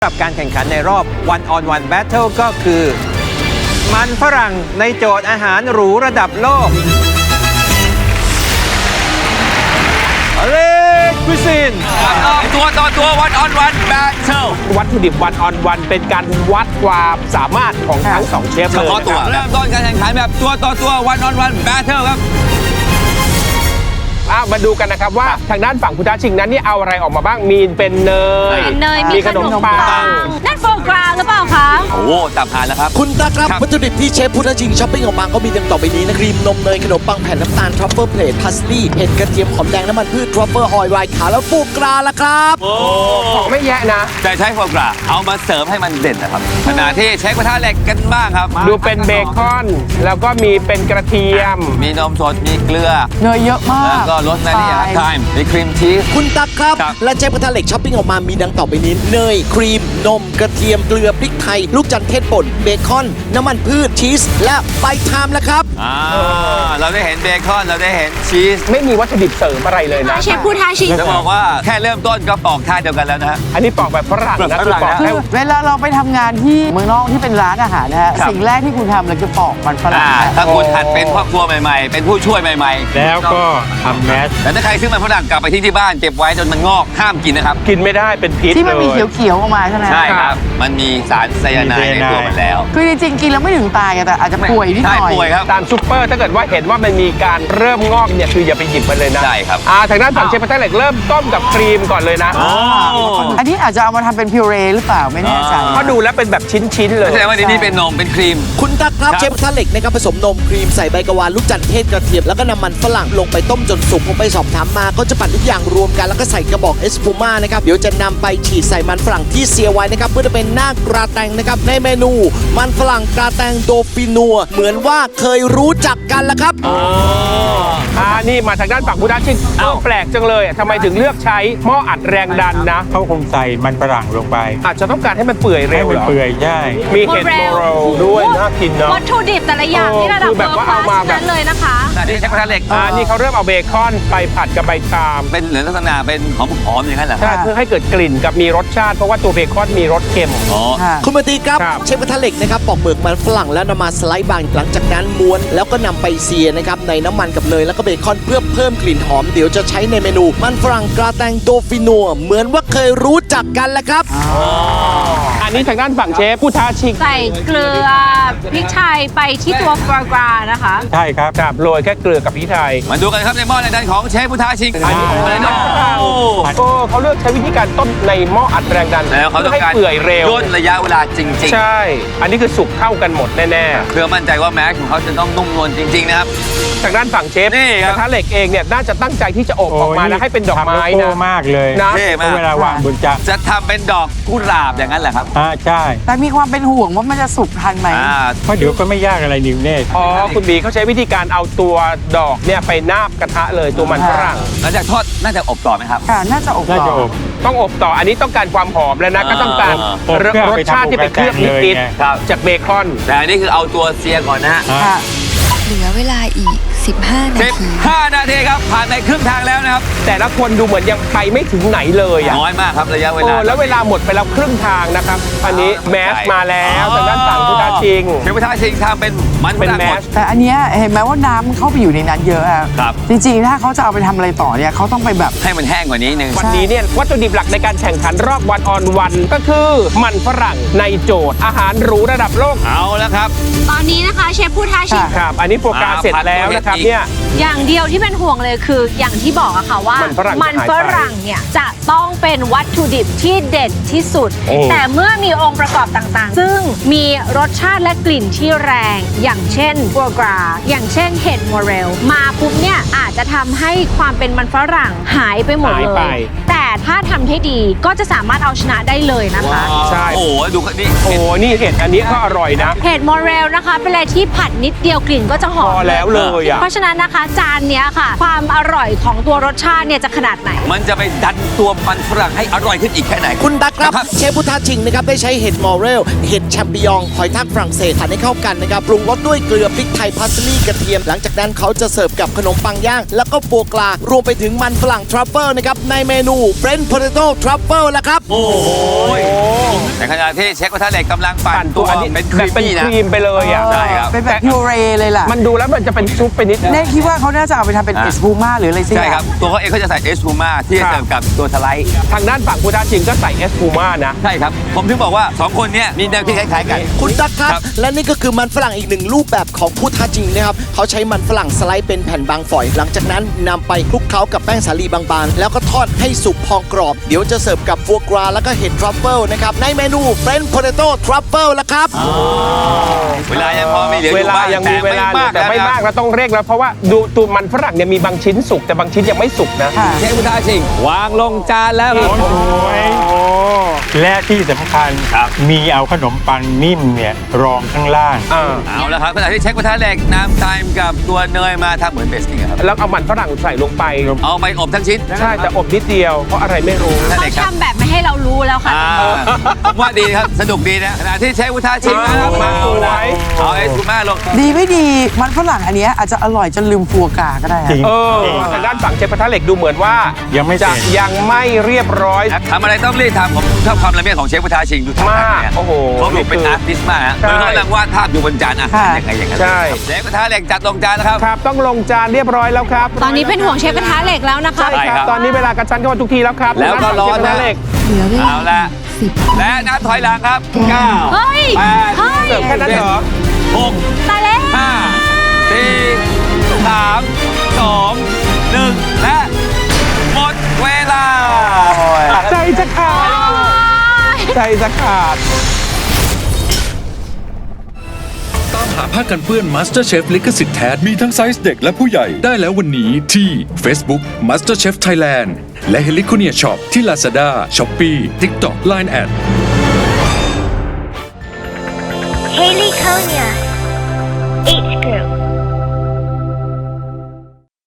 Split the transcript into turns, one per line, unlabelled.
สำหรับการแข่งขันในรอบ One on One Battle ก็คือ มันฝรั่งในโจทย์อาหารหรูระดับโลกเลคุซิน
ตัวต่อตัว One on One Battle
วัตถุดิบวันออนวันเป็นการวัดความสามารถของทั้งสองเชฟ
เฉ
เลย
พาะตัวเริ่มต้นการแข่งขันแบบตัวต่อตัว One on One Battle ครับ
มาดูกันนะครับว่าทางด้านฝั่งคุณท้าชิงนั้นนี่เอาอะไรออกมาบ้างมีเป็นเนย
มีขนมปังนั่นโฟกราหรือเปล่าคะ
โอ้ตับหานแล้วครับ
คุณตาครับ
ครับ
วัตถุดิบที่เชฟพุทธชิงช้อปปิ้งออกมาก็มีดังต่อไปนี้นะครีมนมเนยขนมปังแผ่นน้ำตาลทรัฟเฟิลเพลทพาสลีย์เห็ดกระเทียมหอมแดงน้ำมันพืชทรัฟเฟิลออยล์ไวน์ขาวแล้วฟูกราละครับ
ของไม่แยะนะ
แต่ใช้โฟกราเอามาเสริมให้มันเด่นนะครับขณะที่เช็คกระทะเหล็กกันบ้างครับ
ดูเป็นเบคอนแล้วก็มีเป็นกระเทียม
มีนมสดมีเกลือ
เนยเยอะมาก
แล้วก็รสแมรี่ไทม์มีครีมชีส
คุณตักครับ
ครับ
และเชฟกระทะเหล็กช้อปปิ้งออกมามีดังต่อไปนี้เนยครีมนมกระเทียมเกลือพริกไทยลูกจันทร์เทศป่นเบคอนน้ำมันพืชชีสและใบไทม์แล้วครับ
เราได้เห็นเบคอนเราได้เห็นชีส
ไม่มีวัตถุดิบเสริมอะไรเลยนะ
เชฟผู้ท้าชิง
จะบอกว่าแค่เริ่มต้นก็ปอกท่าเดียวกันแล้วนะฮะ
อันนี้ปอกแบบฝรั่ง
แบบ
นะ
ฝ
คือ
รั่ง
ปอก
นะ
ให้
เวลาเราไปทำงานที่เมืองนอกที่เป็นร้านอาหารนะฮะ
ครับ
สิ่งแรกที่คุณทำเลยคือปอกมันฝรั่ง
ถ้าคุณหัดเป็นครอบครัวใหม่ๆ เป็นผู้ช่วยใหม่ๆ
แล้วก็ทำแมส
แต่ถ้าใครซื้อมันฝรั่งกลับไปทิ้งที่บ้านเก็บไว้จนมันงอกห้ามกินนะครับ
กินไม่ได้เป็นพิษ
ที่มันมี
เลย
เขียวๆออกมาใช่ไหม
ใช่ครับ มันมีสารไซยาไนด์ในตัวมันแล้ว
คือจริงๆกินแล้วไม่ถึงตายอะแต่อาจจะป่วยนิดหน่อย
ใช่ป่วยครับ
ตามซุปเปอร์ถ้าเกิดว่าเห็นว่ามันมีการเริ่มงอกเนี่ยคืออย่าไปหยิบมันเลยนะ
ใช่ครับ
ทางด้านฝั่งเชฟกระทะเหล็กเริ่มต้มกับครีมก่อนเลยนะ
อันนี้อาจจะเอามาทำเป็นพิวเรหรือเปล่าไม่แน่ใจ
เพราะดูแล้วเป็นแบบชิ้นๆเลย
แสดงว่านี่เป็นนมเป็นครีม
คุณตักครับ
ครับ
เชฟกระทะเหล็กนะครับผสมนมครีมใส่ใบกะวานลูกจันทร์เทศกระเทียมแล้วก็น้ำมันฝรั่งลงไปต้มจนสุกผมไปสอบถามมาก็จะปั่นทุกอย่างรวมกันแล้วก็ใส่กระบอกเอสพูม่านะครับเดี๋ยวจะนำไปฉีดใส่มันฝรั่งที่เสียไว้นะครับเพื่อจะเป็นหน้ากราแตงนะครับในเมนูมันฝรั่งกราแตงโดฟินัวเหมือนว่าเคยรู้จักกันละครับ
นี่มาทางด้านฝั่งคุณท้าชิงแปลกจังเลยทำไมถึงเลือกใช้หม้ออัดแรงดันนะ
เขาคงใส่มันฝรั่งลงไป
อาจจะต้องการให้มันเปื่อยเร็
ให้
ว
มัน
เหรอ
เปื่อยใช่
มีเห็ดโมโรลด้วยน่ากินเนาะ
วัตถุดิบแต่ละอย่างที่ระดับ
คือแบบ
เวิร์
ว่า
คลา
เอามา
สนั้นเลยนะคะ
แต่นี่ใช้กระทะเหล็ก
นี่เขาเริ่มเอาเบคอนไปผัดกับใบชาม
เป็นเหลืองลักษณะเป็นหอมๆอย่างนั้นเหรอค
ใช่
รับ
เพื่อให้เกิดกลิ่นกับมีรสชาติเพราะว่าตัวเบคอนมีรสเค็ม
อ๋อ
ค่ะ
คุณมาตีครับ
ครับ
เชฟกระทะเหล็กนะครับปอกเปลือกมันฝรั่งแล้วนำมาสไลด์บางหลังจากนั้นม้วนแล้วก็นำไปเสียนะครับในน้ำมันกับเนยแล้วก็เบคอนเพื่อเพิ่มกลิ่นหอมเดี๋ยวจะใช้ในเมนูมันฝรั่งกราแตงโดฟินัวเหมือนว่าเคยรู้จักกันแหละครับ
อันนี้ทางด้านฝั่งเชฟผู้ท้าชิง
ใส่เกลือพริกไทยไปที่ตัวโฟกรานะคะ
ใช่ครับ
ครับโรยแค่เกลือกับพริกไทย
มาดูกันครับในหม้อในดันของเชฟพุทธาชิง
อันนี้ของ
อะไร
มัน
เนาะ
ฝรั่งเขาเลือกใช้วิธีการต้มในหม้ออัดแรงดัน
แล้วเขาต้อ
เพื่อง ให้
การ
เปื่อยเร็ว
ย่นระยะเวลาจริง
ใช่ อันนี้คือสุกเท่ากันหมดแน่
ๆ เพื่อมั่นใจว่าแม็กของเขาจะต้องนุ่มนวลจริง ๆ นะครับ
ๆ ทางด้านฝั่งเชฟ
นี่ค
ก
รับ
ระทะเหล็กเองเนี่ยน่าจะตั้งใจที่จะอบออกมาแล้วให้เป็นดอกไม้
ทำโล
นะ
โก้มากเลย
นะ
เท่มาก
เวลาวางบนจาน
จะทำเป็นดอกกุหลาบอย่างนั้นแหละครับ
ใช่
แต่มีความเป็นห่วงว่ามันจะสุกทันไหม
เพราะเดี๋ยวก็ไม่ยากอะไรนิวเน่
อ๋อคุณบีเขาใช้วิธีการเอาตัวดอกเนี่ยไปนาบกระทะเลยตัวมันฝรั่ง
หลังจากทอดน่าจะอบต่อไหมครับ
ค่ะ น่าจะอบ
น่าจะ
ต่
อบ
ต้องอบต่ออันนี้ต้องการความหอมแล้วนะก็ต้องการ
อบเพื่อ
รส
ไป
ชาติที่เป็นเครื่อง
ทำอบ
นิด
แกงเลยไง
ครับ
ๆจากเบคอน
แต่อันนี้คือเอาตัวเซียก่อนนะฮะ
ค่ะ
เหลือเวลาอีก 15 นาที
15 นาทีครับ ผ่านไปครึ่งทางแล้วนะครับ
แต่ละคนดูเหมือนยังไปไม่ถึงไหนเลยอ่ะ
น้อยมากครับระยะเว
โอ้
ลา
แล้วเวลาหมดไปแล้วครึ่งทางนะครับ อันนี้แมสมาแล้วทางด้านฝั่งพุทธาชิง
เชฟพุทธาชิงทำเป็นมัน
เป็น
ฝรั่ง
แม
หมด
ส
แต่อันเนี้ยเห็นไหมว่าน้ำมันเข้าไปอยู่ในนั้นเยอะอะ
ครับ
จริงๆ ถ้าเขาจะเอาไปทำอะไรต่อเนี่ยเขาต้องไปแบบ
ให้มันแห้งกว่านี้นึง
วันนี้เนี่ยวัตถุดิบหลักในการแข่งขันรอบวันออนวันก็คือมันฝรั่งในโจทย์อาหารหรูระดับโลก
เอาแล้วครับ
ตอนนี้นะคะเชฟผู้ท้าชิง
ครับ อันนี้โปรแกรมเสร็จแล้วนะครับเนี่ย
อย่างเดียวที่เป็นห่วงเลยคืออย่างที่บอกอะค่ะว่า
มันฝรั่ง
มันฝรั่งเนี่ยจะต้องเป็นวัตถุดิบที่เด็ดที่สุด
โอ้
แต่เมื่อมีองค์ประกอบต่างๆ ซึ่งมีรสชาติและกลิ่นที่แรง อย่างเช่นโฟกราอย่างเช่นเห็ดโมเรลมาปุ๊บเนี่ยอาจจะทำให้ความเป็นมันฝรั่งหายไปหมด
หาย
เล
ไป
ย แต่ถ้าทำให้ดีก็จะสามารถเอาชนะได้เลยนะคะ
ใช่
โอ้โหดูนี่
โอ้นี่เห็ดอันนี้ก็อร่อยนะ
เห็ดโมเรลนะคะเป็นอะไรที่ผัดนิดเดียวกลิ่นก็จะหอม
พอแล้วเลยอ่ะ
เพราะฉะนั้นนะคะจานเนี้ยค่ะ ความอร่อยของตัวรสชาติเนี่ยจะขนาดไหน
มันจะไปดันตัวมันฝรั่งให้อร่อยขึ้นอีกแค่ไหน
คุณตักครับ
ครับ
เชฟพุทธาชิงนะครับได้ใช้เห็ดมอเรลเห็ดแชมปิญองหอยทากฝรั่งเศสผัดให้เข้ากันนะครับปรุงรสด้วยเกลือพริกไทยพาสลีย์กระเทียม หลังจากนั้นเขาจะเสิร์ฟกับขนมปังย่าง แล้วก็โฟกรารวมไปถึงมันฝรั่งทรัฟเฟิลนะครับในเมนู French Potato Truffle แล้วครับ
โอ้โหในขณะที่เช็คกระทะเหล็กกำลังปั่
ปั่
น
น
ตั
ตัว วอันนี้
เป็นค
แบ
รี
บ
ม
เป็น
มี่นะ
ครีมไปเลยอ่ะ
ใช่ครับ
เป็นแบบพิวเรเลยล่ะ
มันดูแล้วมันจะเป็นซุปไปนิดนึง
เน่คิดว่าเขาน่าจะเอาไปทำเป็นเอสพูม่าหรืออะไรสิ
ใช่ครับ ตัวเขาเองเขาจะใส่เอสพูม่าที่จะเสิร์ฟกับตัวสไลด์
ทางด้านฝั่งพุทธชิงก็ใส่เอสพูม่านะ
ใช่ครับ ผมถึงบอกว่า 2 คนเนี้ยมีแนวคิดคล้ายๆกัน
คุณตั๊กครับ
ครับ
และนี่ก็คือมันฝรั่งอีกหนึ่งรูปแบบของพุทธาจริงนะครับเขาใช้มันฝรั่งสไลด์เป็นแผ่นบางฝอย หลังจากนั้นนำไปคลุกเคล้ากับแป้งสาลีบางๆ แล้วก็ทอดให้สุกพองกรอบ เดี๋ยวจะเสิร์ฟกับฟัวกราแล้วก็เห็ดทรัฟเฟิลนะครับในเมนู French Potato Truffle แล้วครับ
เวลายังพอมีเหลืออ
เว
ยู่
ลา
บ้าง
ยังมีเวลาเหลือแต่ไม่มาก
นะ
เราต้องเร่งแล้วเพราะว่าดูตัวมันฝรั่งเนี่ยมีบางชิ้นสุกแต่บางชิ้นยังไม่สุกนะ
ค่ะ
เชฟพุทธาชิงวางลงจานแล้วครับ
โอ้ยและที่สำคัญ
ครับ
มีเอาขนมปังนิ่มเนี่ยรองข้างล่าง
เอาละครับขณะที่เช็คกระทะเหล็กน้ำไทม์กับตัวเนยมาทำเหมือนเบสกิ้งอะครับ
แล้วเอามันฝรั่งใส่ลงไป
เอาไปอบทั้งชิ้น
ใช่แต่อบนิดเดียวเพราะอะไรไม่รู้
นั่น
เขา
เองครับ
ทำแบบไม่ให้เรารู้แล้วค่ะ
ผมว่าดีครับ สนุกดีนะขณะที่เชฟพุทธาชิงนะครับ
มา
เอา
สว
ละ
ย
เอาเอสพูม่าลง
ดีไม่ดีมันฝรั่งอันเนี้ยอาจจะอร่อยจนลืมฟัวกราก็ได้อะ
จริง
ทางด้านฝั่งเชฟกระทะเหล็กดูเหมือนว่า
ยังไม่เสร็
จะ
จ
ยังไม่เรียบร้อย
ทำอะไรต้องรีบทำผมชอบความละเมียดของเชฟพุทธาชิงดูท่าทางเนี่ย
มากโอ้โห
เขาดูเป็นอาร์ติสต์มากฮะ
ใช่
เหมือนเขากำลังวาดภาพอยู่บนจานอาหารยังไงอย่างนั้น
ใช่
เชฟกระทะเหล็กจัดลงจานแล้วครับ
ครับต้องลงจานเรียบร้อยแล้วครับ
ตอนนี้เป็นห่วงเชฟกระทะเหล็กแล้วนะคะ
ใช่
ใช่
ค
ครั
รับ บตอนนี้เวลากระชั้นเข้ามาทุกทีแล้วครับ
แล้วก็ร้อน
ทางด้าฝั่งเชฟกระทะเหล็ก
เหลือเวลา
เอาละ
สิบ
และนับถอยหลังครับ 9
เฮ้ย
8
เฮ้ย
เสิร์ฟแค่นั้นเหรอ
6
ตายแล้ว
5 4 3 2 1 และหมดเวลา
ใจจะขาดใจจะขาด
ตามหาผ้ากันเปื้อน MasterChef ลิขสิทธิ์แท้มีทั้งไซส์เด็กและผู้ใหญ่ได้แล้ววันนี้ที่ Facebook MasterChef Thailand และ h e l i c o n i a Shop ที่ Lazada, Shopee, TikTok, Line@
Haley Konya